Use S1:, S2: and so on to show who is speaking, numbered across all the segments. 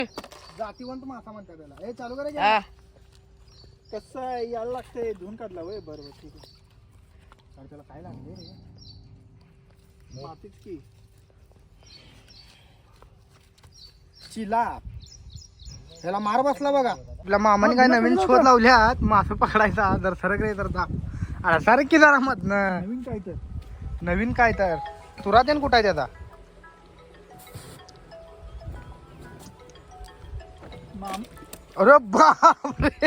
S1: जातीवंत मासा म्हणतात त्याला. हे चालू करा की.
S2: हा.
S3: कसं आहे यायला लागतंय धुवून काढला वय बरोबर ठीक आहे.
S1: अरे त्याला काय लागले रे?
S3: मातीच की
S1: चिला त्याला मार बसला बघा. आपल्या मामाने काय नवीन शोध लावल्यात मासे पकडायचा. जर सरक रे तर जा. अरे सरक की जरा मधनं.
S3: नवीन काय तर
S1: नवीन काय तर तुरा त्यान कुठं आहे त्याचा?
S3: माम
S1: अरे बापरे.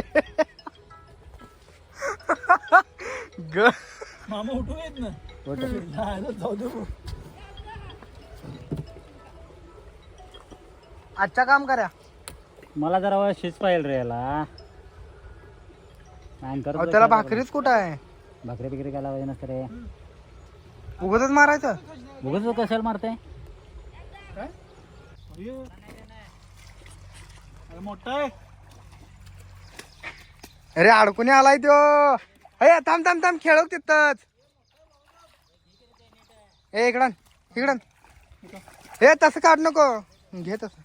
S1: ग
S3: मामा उठून येत ना जाऊ दे भाऊ.
S1: आजच्या काम करा.
S4: मला जरा शिज पाहिजे रे याला.
S1: अहो, त्याला भाकरीच कुठं आहे?
S4: भाकरी बिकरी काय लावायचं नसतं रे.
S1: उगतच मारायचं.
S4: उगाच कशाला मारते?
S3: काय अरे मोठा आहे.
S1: अरे अडकून आलाय त्यो. अरे थांब थांब थांब खेळव तिथंच. ए इकडं इकडं. हे तसं काढ नको. घे तसं.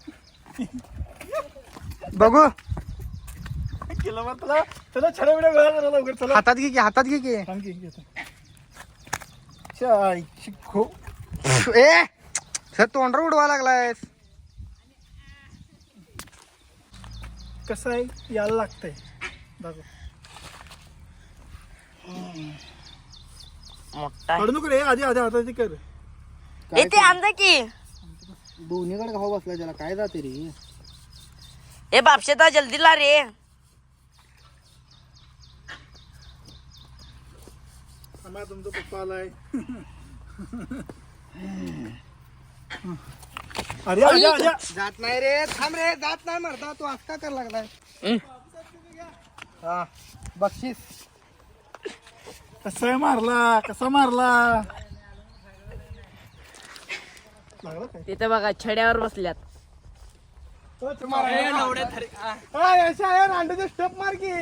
S1: बघू
S3: केलं मग तुला चला छड्या बिड्या वेळा जरा लवकर चला.
S1: हातात घे की हातात घे की.
S3: थांब की घेतो. चाय शिखो
S1: ए सर तोंडर उडवा लागलायस.
S3: कसं आहे यायला लागतंय दाखव.
S2: मोठा
S3: काढू नको रे आधी आधी हाताची कर.
S2: ते आणलं की.
S1: दोन्हीकडे घाव बसलाय त्याला काय जाते रे.
S2: ए बापशेता जल्दी ला रे.
S3: आम्हा तुमचा पप्पा आलाय. अरे आजा आजा
S1: जात नाही रे. थांब रे जात नाही मरता. तू आज का कर लागलाय. हा बक्षीस.
S3: कसा मारला कसा मारला. लागला काय
S2: तिथे बघा छड्यावर बसल्यात.
S1: अंड्याचे स्टेप मार की.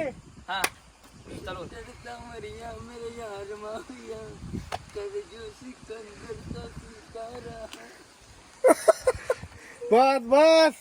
S1: बस बस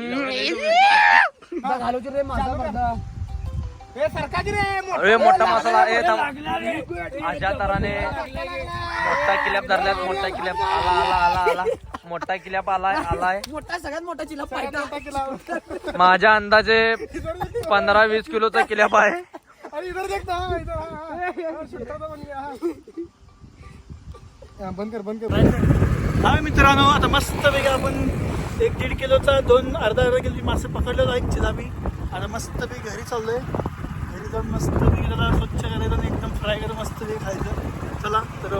S1: घालवची रे माझा. हे सरकाची रे.
S5: अरे मोठा मसाला अशा तराने मोठा किल्याप धरल्यात. मोठा किल्याप आला आला आला आला. मोठा किल्याप आलाय आलाय.
S2: मोठा सगळ्यात मोठा चिला पाहिजे.
S5: माझ्या अंदाजे 15-20 किलोचा किल्याप आहे.
S1: अरे इधर देख ना बंद कर बंद कर.
S3: हा मित्रांनो आता मस्त पैकी आपण 1-1.5 किलोचा अर्धा किलो मासे पकडलेलो आहे चिलापी. आता मस्त पैकी घरी चाललोय. घरी जाऊन मस्त पैकी त्याला स्वच्छ करायचं आणि एकदम फ्राय करून मस्त पैकी खायचं. चला तर